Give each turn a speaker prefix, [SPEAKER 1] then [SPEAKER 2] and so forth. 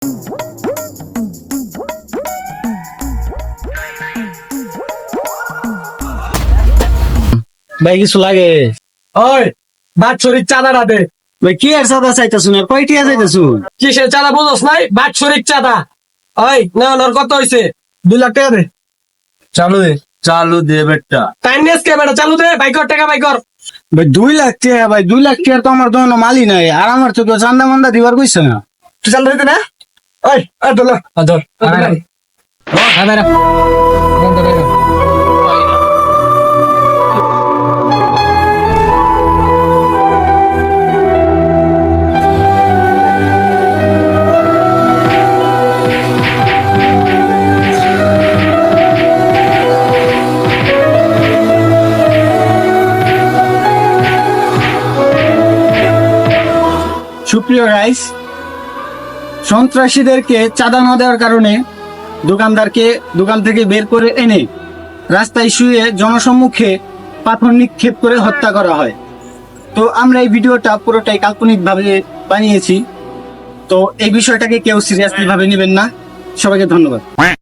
[SPEAKER 1] ভাই কিছু লাগে?
[SPEAKER 2] ওই বাৎসরিক চাঁদাটা দে।
[SPEAKER 1] ভাই কি আর চাঁদা চাইতেছুন? আর কয়টিয়া চাইতেছুন?
[SPEAKER 2] কিসের চাঁদা বুঝোস নাই? বাৎসরিক চাঁদা। ওই না ওর কত হয়েছে? 2 লাখ টাকা দে।
[SPEAKER 3] চালু দে বেটা।
[SPEAKER 2] টাইম নেস কে বেটা, চালু দে, বাইকর টাকা বাইকর।
[SPEAKER 1] ভাই 2 লাখ টাকা, ভাই 2 লাখ টাকা তো আমার দোনো মালি নাই, আর আমার তো কেউ চান্দা মান্দা দিবার কইছে না।
[SPEAKER 2] তুই চালু দিতে না? ওই ধর ধর
[SPEAKER 1] সুপ্রিয় রাইস, সন্ত্রাসীদেরকে চাঁদা না দেওয়ার কারণে দোকানদারকে দোকান থেকে বের করে এনে রাস্তায় শুয়ে জনসম্মুখে পাথর নিক্ষেপ করে হত্যা করা হয়। তো আমরা এই ভিডিওটা পুরোটাই কাল্পনিক ভাবে বানিয়েছি, তো এই বিষয়টাকে কেউ সিরিয়াসলি ভাবে নেবেন না। সবাইকে ধন্যবাদ।